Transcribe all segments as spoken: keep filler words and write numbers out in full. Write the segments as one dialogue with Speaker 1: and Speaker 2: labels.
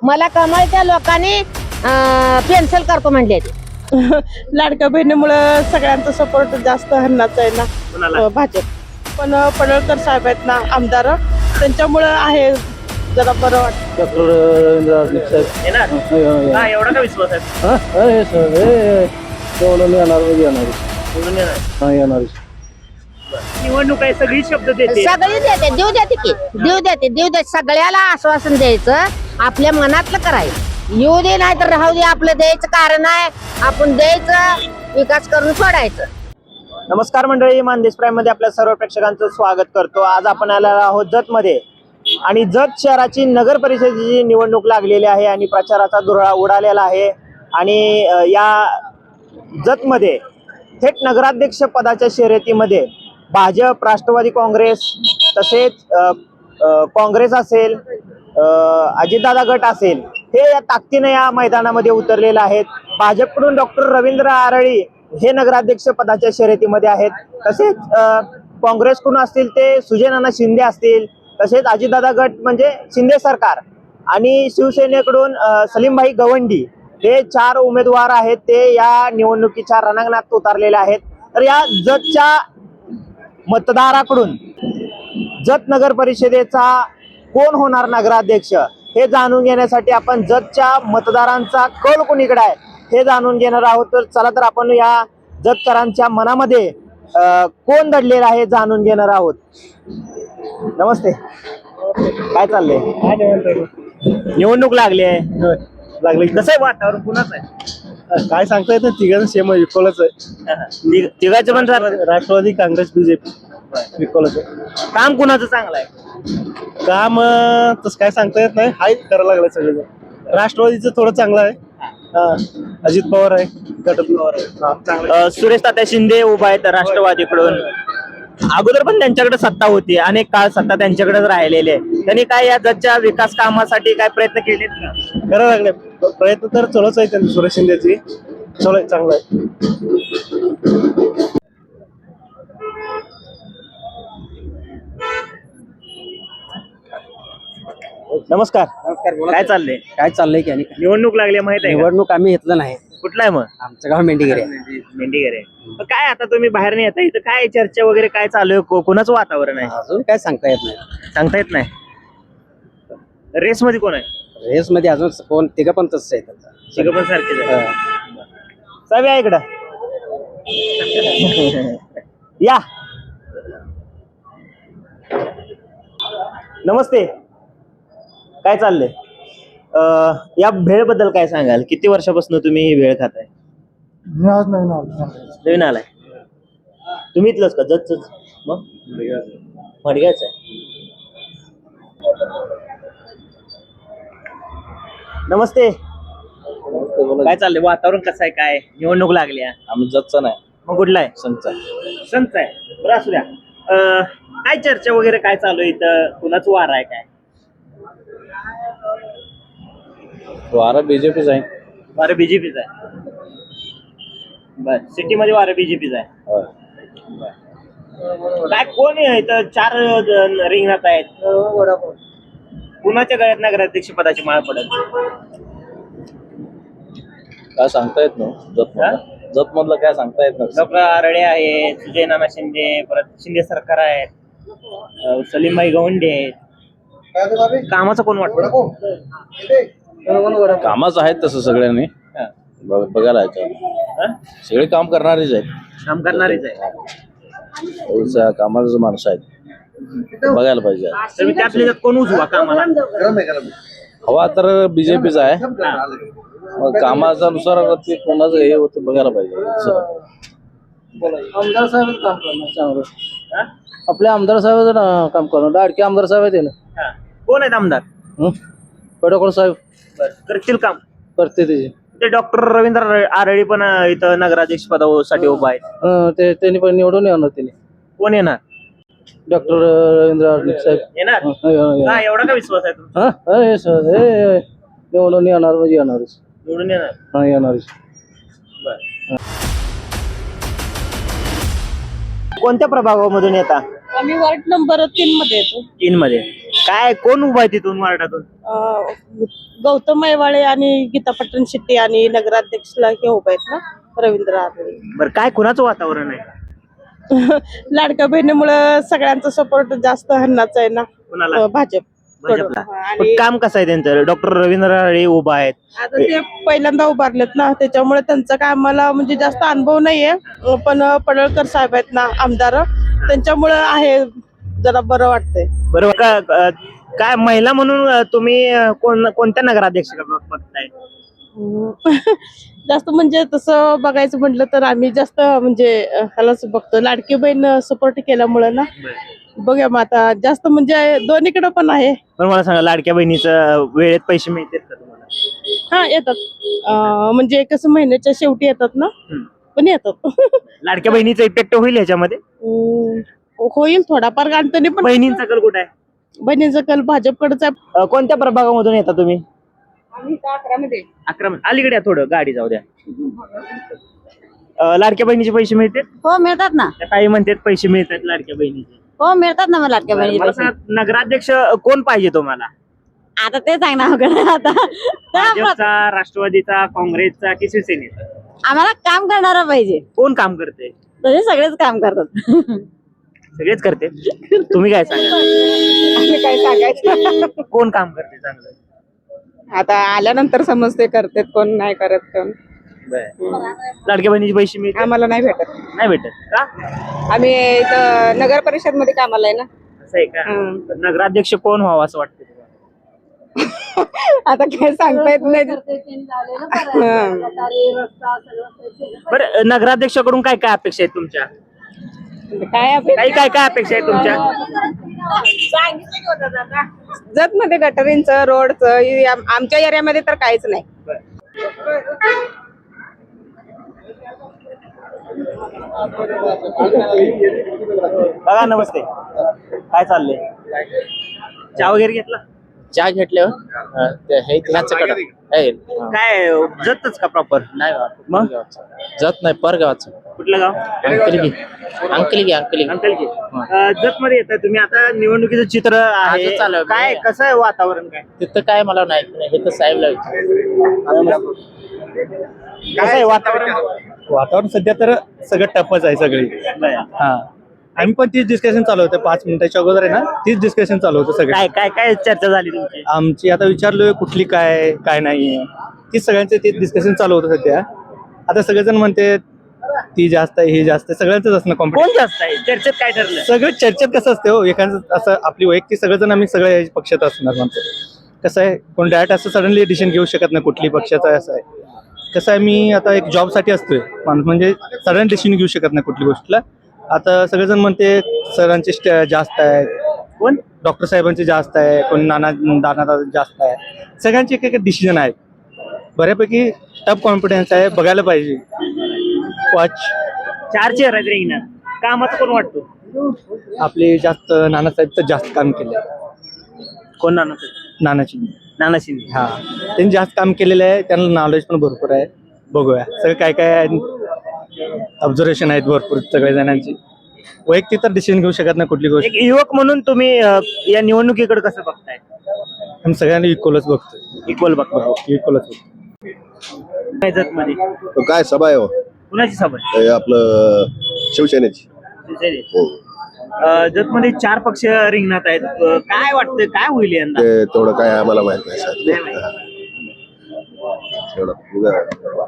Speaker 1: मला कमळच्या लोकांनी पेन्सिल करतो म्हणले.
Speaker 2: लाडक्या बहिणीमुळे सगळ्यांचा सपोर्ट जास्त हरणाचा आहे ना भाजप. पण पडळकर साहेब आहेत ना आमदार, त्यांच्यामुळे आहे जरा बरं वाटतं.
Speaker 3: डॉक्टर रवींद्र साहेब
Speaker 4: एवढा का विश्वास आहे?
Speaker 3: येणार
Speaker 4: निवडणूक आहे, सगळी शब्द देते.
Speaker 1: सगळी देते, देऊ देते की देऊ देते देऊ दे. सगळ्याला आश्वासन द्यायचं, आपल्या मनातलं करायचं. येऊ दे नाही तर राहू दे, आपलं द्यायचं कारण आहे. आपण द्यायचं, विकास करून सोडायचं.
Speaker 4: नमस्कार मंडळी, मानदेश प्राईम मध्ये आपल्या सर्व प्रेक्षकांचं स्वागत करतो. आज आपण आलेलो आहोत जत मध्ये आणि जत शहराची नगर परिषदेची निवडणूक लागलेली आहे आणि प्रचाराचा धुरळा उडालेला आहे. आणि या जत मध्ये थेट नगराध्यक्ष पदाच्या शर्यतीमध्ये भाजप, राष्ट्रवादी काँग्रेस तसेच काँग्रेस असेल, अजितदादा गट असेल, हे या ताकदीने या मैदानामध्ये उतरलेले आहेत. भाजपकडून डॉक्टर रवींद्र आरळी हे नगराध्यक्ष पदाच्या शर्यतीमध्ये आहेत. तसेच काँग्रेसकडून असतील ते सुजय नाना शिंदे असतील, तसेच अजितदादा गट म्हणजे शिंदे सरकार, आणि शिवसेनेकडून सलीमभाई गवंडी हे चार उमेदवार आहेत. ते या निवडणुकीच्या रणांगणात उतरलेले आहेत. तर या जतच्या मतदाराकडून जत नगर परिषदेचा कोण होणार नगराध्यक्ष हे जाणून घेण्यासाठी आपण जतच्या मतदारांचा कल कोणीकडे आहे हे जाणून घेणार आहोत. तर चला तर आपण या जतकरांच्या मनामध्ये कोण दडलेलं आहे जाणून घेणार आहोत. नमस्ते, काय चाललंय? निवडणूक लागली आहे,
Speaker 3: लागले
Speaker 4: कसं आहे वातावरण, कुणाचं आहे
Speaker 3: काय सांगता येत? तिघांचं सेम आहे, विकोलाच आहे.
Speaker 4: तिघाचं पण
Speaker 3: राष्ट्रवादी, काँग्रेस, बीजेपी, विकोलाच आहे.
Speaker 4: काम कुणाचं चांगलं आहे?
Speaker 3: काम तसं काय सांगता येत नाही, हाय करायला लागलं सगळं. राष्ट्रवादीचं थोडं चांगलं आहे. अजित पवार आहे गटात.
Speaker 4: सुरेश तात्या शिंदे उभा आहेत राष्ट्रवादीकडून. अगोदर पण त्यांच्याकडे सत्ता होती, अनेक काळ सत्ता त्यांच्याकडेच राहिलेली आहे. त्यांनी काय या जतच्या विकास कामासाठी काय प्रयत्न केलेत का?
Speaker 3: करायला लागले प्रयत्न तर चलच आहे त्यांनी. सुरेश शिंदेची चल चांगलं आहे.
Speaker 4: नमस्कार. काय चाललंय?
Speaker 5: काय चाललंय की? आणि
Speaker 4: निवडणूक लागली माहित आहे का?
Speaker 5: निवडणूक आम्ही घेतलं नाही.
Speaker 4: कुठला आहे मग?
Speaker 5: आमचं गाव मेंढीगिरी आहे.
Speaker 4: मेंढीगिरी. काय आता तुम्ही बाहेर नाही येता, इथं काय चर्चा वगैरे काय चालू आहे? को- कोणाचं वातावरण आहे
Speaker 5: अजून काय सांगता येत नाही.
Speaker 4: सांगता येत नाही. रेस मध्ये कोण आहे?
Speaker 5: रेस मध्ये अजून कोण? तिघं पण तसंच आहेत आता.
Speaker 4: सगळं पण सारखेच आहे.
Speaker 5: हा.
Speaker 4: चावी आहे इकडं. या, नमस्ते, काय चाललंय? अं, या भेळ बद्दल काय सांगाल? किती वर्षापासून तुम्ही ही भेळ खाताय? नवीन आलाय तुम्ही? इथलंच का? जतच? मग मडग्याच आहे. नमस्ते, काय चाललंय? वातावरण कसं आहे? काय निवडणूक लागली आहे?
Speaker 3: आम्ही जतचा नाही,
Speaker 4: मग कुठला आहे?
Speaker 3: संत
Speaker 4: संत आहे. बरं, असू द्या. अं, काय चर्चा वगैरे काय चालू आहे इथं? कुणाचं वार आहे? काय
Speaker 3: वारा बीजेपीच आहे.
Speaker 4: वारं बीजेपीच आहे. बर, सिटी मध्ये वारं बीजेपीच आहे. काय कोण आहे इथं? चार जण रिंगणात आहेत. कुणाच्या गळ्यात नगराध्यक्ष पदाची माळ पडेल?
Speaker 3: काय सांगता येत ना. जत जत मधलं काय सांगता येत नाही.
Speaker 4: डॉक्टर आरळे आहे, सुजय नाना शिंदे, परत शिंदे सरकार आहेत, अं, सलीमभाई गवंडे आहेत. कामाचं कोण वाटतं?
Speaker 3: कामच आहेत तसं सगळ्यांनी बघ- बघायला
Speaker 4: हा?
Speaker 3: सगळे काम करणारेच आहेत.
Speaker 4: काम करणारीच आहे.
Speaker 3: एवढं कामाचं माणसं आहेत, बघायला पाहिजे.
Speaker 4: तर त्यातले त्यात कोण उजवा कामाला?
Speaker 3: हवा तर बीजेपीचा आहे. मग कामाच्या नुसार ते कोणाचं हे होतं बघायला पाहिजे.
Speaker 5: आमदार साहेब काम करणार चांगलं.
Speaker 4: हा?
Speaker 5: आपले आमदार साहेब काम करणार. लाडके आमदार साहेब आहेत ना.
Speaker 4: हा. कोण आहेत आमदार?
Speaker 5: पडळकर साहेब
Speaker 4: बरं, करतील काम.
Speaker 5: करते त्याचे.
Speaker 4: ते डॉक्टर रवींद्र आरळी पण इथं नगराध्यक्ष पदासाठी उभा आहे.
Speaker 5: हं, ते त्यांनी पण निवडून येणार. त्यांनी
Speaker 4: कोण येणार?
Speaker 5: डॉक्टर रवींद्र आरळे साहेब
Speaker 4: येणार.
Speaker 5: हं, हं, हं.
Speaker 4: हा, एवढा का विश्वास आहे तुमचा?
Speaker 5: हं? हं, हे सर, हे, हे. निवडून येणार म्हणजे येणारच.
Speaker 4: निवडून येणार.
Speaker 5: हा, येणारच.
Speaker 4: बरं. कोणत्या प्रभागामधून येता?
Speaker 2: आम्ही वार्ड नंबर तीन मध्ये येतो.
Speaker 4: तीन मध्ये. काय कोण उभा आहे तिथून वार्डातून?
Speaker 2: अं, गौतम मैवाळे आणि गीता पटण शेट्टी आणि नगराध्यक्षला हे उभे आहेत ना, रवींद्र आरळे.
Speaker 4: बरं, काय कुणाचं वातावरण आहे?
Speaker 2: लाडक्या बहिणीमुळे सगळ्यांचा सपोर्ट जास्त हन्नाचा आहे ना,
Speaker 4: कुणाला?
Speaker 2: अं, भाजप
Speaker 4: भाजपला.
Speaker 2: कडून.
Speaker 4: पण
Speaker 2: आणि
Speaker 4: काम कसं आहे त्यांचं? डॉक्टर रवींद्र आरे उभा आहेत.
Speaker 2: आता ते पहिल्यांदा उभारलेत ना, त्याच्यामुळे त्यांचा काय आम्हाला म्हणजे जास्त अनुभव नाहीये. अं, पण पडळकर साहेब आहेत ना आमदार, त्यांच्यामुळे आहे जरा बरं वाटतंय.
Speaker 4: बरोबर का? अ, काय महिला म्हणून अ, तुम्ही अ, कोण कोणत्या नगराध्यक्ष बघताय?
Speaker 2: जास्त म्हणजे तसं बघायचं म्हटलं तर आम्ही जास्त म्हणजे अं, ह्यालाच बघतो. लाडकी बहीण सपोर्ट केल्यामुळे ना, बघूया मग आता जास्त म्हणजे दोन्हीकडे पण आहे.
Speaker 4: पण मला सांगा, लाडक्या बहिणीचं वेळेत पैसे मिळतात का तुम्हाला?
Speaker 2: हा येतात. अं, म्हणजे कसं महिन्याच्या शेवटी येतात ना,
Speaker 4: हम्म.
Speaker 2: पण येतात.
Speaker 4: लाडक्या बहिणीचा इफेक्ट होईल ह्याच्यामध्ये?
Speaker 2: अं, होईल थोडाफार गणपती पण.
Speaker 4: बहिणींचा कल कुठे आहे?
Speaker 2: बहिणीचा कल भाजपकडेच आहे.
Speaker 4: अ, कोणत्या प्रभागामधून येता तुम्ही?
Speaker 2: अकरामध्ये
Speaker 4: अकरा अलीकडे या थोडं, गाडी जाऊ द्या. अ, लाडक्या बहिणीचे पैसे मिळतात?
Speaker 1: हो मिळतात ना,
Speaker 4: त्या काही म्हणतात पैसे मिळतात लाडक्या बहिणीचे.
Speaker 1: हो मिळतात ना मला लाडक्या
Speaker 4: मला
Speaker 1: बहिणी
Speaker 4: सांगा, नगराध्यक्ष कोण पाहिजे तुम्हाला?
Speaker 1: आता ते सांग ना अवघड आता.
Speaker 4: भाजपचा, राष्ट्रवादीचा, काँग्रेसचा की शिवसेनेचा?
Speaker 1: आम्हाला काम करणारा पाहिजे,
Speaker 4: कोण काम करते?
Speaker 1: तसे सगळेच काम करतात.
Speaker 4: सगळेच करते. तुम्ही काय सांगा,
Speaker 2: काय सांगायचं
Speaker 4: कोण काम करते चांगलं?
Speaker 2: आता आल्यानंतर समजते करतात कोण नाही करत कोण.
Speaker 4: लाडक्या बहिणीचे पैसे मिळतात?
Speaker 2: आम्हाला नाही भेटत.
Speaker 4: नाही भेटत का?
Speaker 2: आम्ही इथं नगर परिषद मध्ये कामाला आहे ना.
Speaker 4: असं आहे का? नगराध्यक्ष कोण व्हावं असं वाटतं तुम्हाला?
Speaker 2: आता काय सांगता येत नाही.
Speaker 4: बरं, नगराध्यक्षाकडून काय काय अपेक्षा आहेत तुमच्या?
Speaker 2: काय
Speaker 4: काही काय काय अपेक्षा आहेत तुमच्या?
Speaker 2: जत मध्ये गटरींचं रोडचं आमच्या एरियामध्ये तर काहीच नाही.
Speaker 4: बघा, नमस्ते. काय चाललंय? चहा वगैरे घेतला?
Speaker 5: चहा घेतल्यावर
Speaker 4: काय जतच का प्रॉपर?
Speaker 5: नाही
Speaker 4: मग
Speaker 5: जात नाही परगावाचं.
Speaker 4: कुठलं गाव?
Speaker 5: अंकलगी अंकलगी अंकलगी
Speaker 4: अंकल की जत मध्ये येत तुम्ही. आता निवडणुकीचं चित्र आहे,
Speaker 5: आजच चालू आहे.
Speaker 4: काय कसं आहे वातावरण? काय
Speaker 5: तिथं काय मला नाही, हे तर साहेबला विचार.
Speaker 4: कसं आहे वातावरण?
Speaker 3: वातावरण सध्या तर सगळं टपच आहे सगळी. हा, आम्ही पण तीच डिस्कशन चालू होतं पाच मिनिटाच्या अगोदर आहे ना, तीच डिस्कशन चालू होतं सगळं.
Speaker 4: काय काय काय चर्चा झाली तुमची?
Speaker 3: आमची आता विचारलोय कुठली काय काय नाही, तीच सगळ्यांचे तीच डिस्कशन चालू होतं सध्या. आता सगळेजण म्हणते ती जास्त आहे, ही जास्त आहे, सगळ्यांचंच असणं
Speaker 4: कोण
Speaker 3: कॉम्पिटिशन.
Speaker 4: जास्त आहे चर्चेत? काय ठरलं?
Speaker 3: सगळं चर्चेत कसं असते हो, एखादं असं आपली वैयक्तिक सगळेजण आम्ही सगळ्या पक्षात असणार म्हणतो. कसं आहे, कोण डायरेक्ट असं सडनली डिसिजन घेऊ शकत नाही कुठली पक्षाचा आहे. असं आहे कसं आहे, मी आता एक जॉबसाठी असतोय माणूस, म्हणजे सडन डिसिजन घेऊ शकत नाही कुठली गोष्टीला. आता सगळेजण म्हणते सरांचे स्ट- जास्त आहे,
Speaker 4: कोण?
Speaker 3: डॉक्टर साहेबांचे जास्त आहे, कोण नाना दाना जास्त आहे. सगळ्यांचे एक एक डिसिजन आहेत. बऱ्यापैकी टफ कॉन्फिडन्स आहे, बघायला पाहिजे. वॉच
Speaker 4: चार चेहरा आहेत रिंगणात. कामाचं कोण वाटतो?
Speaker 3: आपले जास्त नानासाहेब तर जास्त काम केले.
Speaker 4: कोण? नाना
Speaker 3: नानाची
Speaker 4: नाना शिंदे.
Speaker 3: हा, त्यांनी जास्त काम केलेलं आहे, त्यांना नॉलेज पण भरपूर आहे. बघूया सगळं काय काय ऑब्झर्वेशन आहेत भरपूर सगळ्या जणांची. वैयक्तिक तर डिसिजन घेऊ शकत नाही कुठली गोष्ट.
Speaker 4: एक युवक म्हणून तुम्ही अ, या निवडणुकीकडे कसं बघताय?
Speaker 3: आम्ही सगळ्यांना इक्वलच बघतो.
Speaker 4: इक्वल बघतो.
Speaker 3: इक्वलच
Speaker 4: जत मध्ये
Speaker 6: तो काय सभा आहे हो?
Speaker 4: कुणाची सभा?
Speaker 6: हे आपलं शिवसेनेची. हो.
Speaker 4: जत मध्ये चार पक्ष रिंगणात आहेत. अ, काय वाटतं काय होईल यंदा?
Speaker 6: ते तेवढं काय आम्हाला माहित नाही सर.
Speaker 4: नाही माहित.
Speaker 6: तेवढं उगा-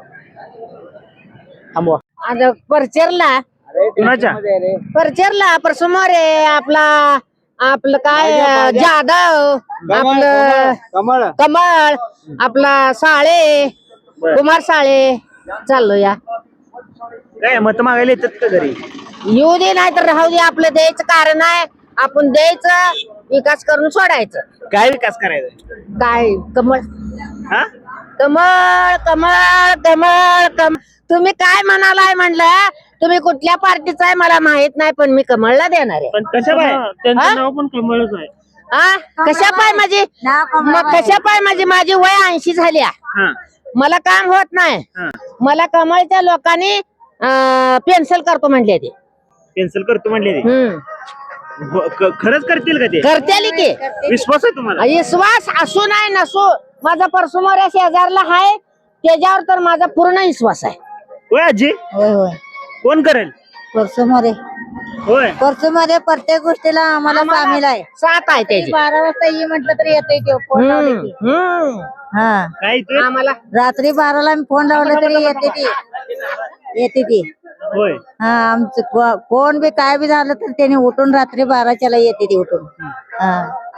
Speaker 4: थांबवा.
Speaker 1: आता परचेरला
Speaker 4: कुणाच्या?
Speaker 1: परचेरला समोर आहे आपला आपलं काय जाधव, आपलं कमळ, आपला साळे, कुमार साळे चाललो या.
Speaker 4: काय मत मागायला येतात का घरी?
Speaker 1: येऊ दे नाही तर राहू दे, आपलं द्यायचं कारण आहे, आपण द्यायचं, विकास करून सोडायचं.
Speaker 4: काय विकास करायचा?
Speaker 1: काय कमळ
Speaker 4: हा?
Speaker 1: कमळ कमळ कमळ कमळ. तुम्ही काय म्हणालाय म्हणलं, तुम्ही कुठल्या पार्टीचा आहे मला माहित नाही, पण मी कमळला देणार आहे.
Speaker 4: पण कशा पाय?
Speaker 1: हा?
Speaker 4: नाव पण कमळच आहे.
Speaker 1: हा, कशा पाय माझी मग कशा पाय माझी माझी वय ऐंशी झाली आहे.
Speaker 4: हा,
Speaker 1: मला काम होत नाही.
Speaker 4: हा.
Speaker 1: मला कमळच्या लोकांनी पेन्सिल करतो म्हणले ते.
Speaker 4: कॅन्सल करतो म्हणले ते.
Speaker 1: हम्म
Speaker 4: ब- क- खरंच करतील का ते
Speaker 1: करतेली की
Speaker 4: विश्वास आहे तुम्हाला
Speaker 1: विश्वास असू नाही नसू माझा परसमोर शेजारला आहे त्याच्यावर तर माझा पूर्ण विश्वास आहे.
Speaker 4: होय आजी
Speaker 7: होय होय
Speaker 4: कोण करेल
Speaker 7: परसूमध्ये
Speaker 4: होय
Speaker 7: परसूमध्ये प्रत्येक गोष्टीला आम्हाला सामील आहे.
Speaker 1: साथ आहे त्याची.
Speaker 7: बारा वाजता ये म्हटलं तरी येते ते फोन लावले की.
Speaker 1: हम्म, हम्म.
Speaker 7: हा
Speaker 4: काय इथे
Speaker 1: आम्हाला
Speaker 7: रात्री बाराला मी फोन लावला तरी येते ती येते ती
Speaker 4: होय
Speaker 7: हा आमचं को- कोण बी काय बी झालं तर त्याने उठून रात्री बाराच्याला येते ती उठून. हा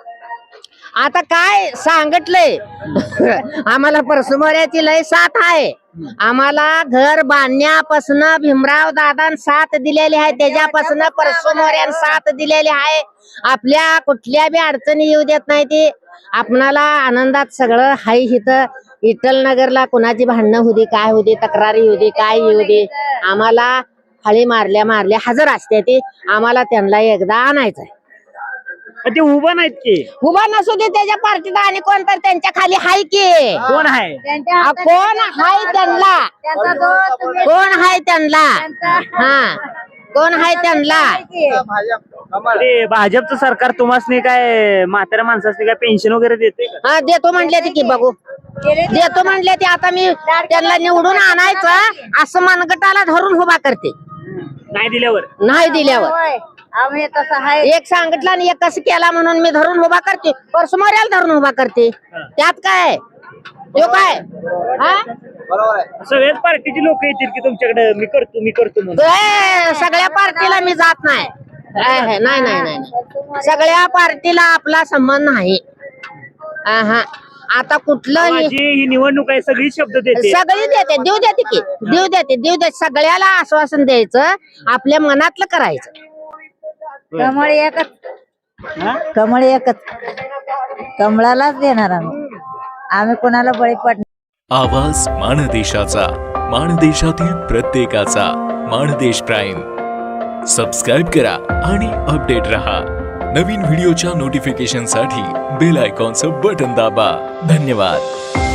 Speaker 1: आता काय सांगितलंय आम्हाला परसमोऱ्याची लय साथ आहे. आम्हाला घर बांधण्यापासून भीमराव दादा साथ दिलेली आहे त्याच्यापासून परसमोऱ्यान साथ दिलेली आहे. आपल्या कुठल्या बी अडचणी येऊ देत नाही ती. आपणाला आनंदात सगळं हाय इथं इटल नगरला कुणाची भांडणं होती काय होती तक्रारी होती काय येऊ दे आम्हाला हळी मारल्या मारल्या हजर असते ती. आम्हाला त्यांना एकदा आणायचंय.
Speaker 4: ते उभा नाहीत की
Speaker 1: उभा नसू दे त्याच्या पार्टीत आणि कोण तर त्यांच्या खाली हाय की
Speaker 4: कोण आहे
Speaker 7: त्यांच्या
Speaker 1: आ, कोण हाय त्यांना
Speaker 7: त्यांचा दोस्त तुम्ही-
Speaker 1: कोण हाय त्यांना हा कोण हाय त्यांना
Speaker 4: ते भाजपचं सरकार तुम्हाला काय म्हाताऱ्या माणसाने काय पेन्शन वगैरे देते का
Speaker 1: हा देतो म्हणले ते की बघू देतो म्हणले ते. आता मी त्यांना निवडून आणायचं असं मनगटाला धरून उभा करते
Speaker 4: नाही दिल्यावर
Speaker 1: नाही दिल्यावर.
Speaker 7: होय आम्ही तसं आहे.
Speaker 1: एक सांगितलं आणि एक कसं केला म्हणून मी धरून उभा करते परसमोऱ्याला धरून उभा करते. त्यात काय तो काय हा
Speaker 4: सगळ्याच पार्टीची लोक येतील की तुमच्याकडे मी करतो मी करतो म्हणून
Speaker 1: ए, सगळ्या पार्टीला मी जात नाही. ए, हे, नाही नाही नाही नाही. सगळ्या पार्टीला आपला संबंध नाही. हा आता कुठलं
Speaker 4: माझी ही निवडणूक आहे सगळी शब्द देते
Speaker 1: सगळी देते देऊ देते की देऊ देते देऊ देते सगळ्याला आश्वासन द्यायचं आपल्या मनातलं करायचं.
Speaker 7: कमळ एकच कमळ एकच कमळालाच देणार आम्ही आम्ही कोणाला बळी पडणार.
Speaker 8: आवाज माणदेशाचा माणदेशातील प्रत्येकाचा माणदेश प्राईम सबस्क्राईब करा आणि अपडेट रहा. नवीन व्हिडिओच्या नोटिफिकेशनसाठी बेल आयकॉनचं बटन दाबा. धन्यवाद.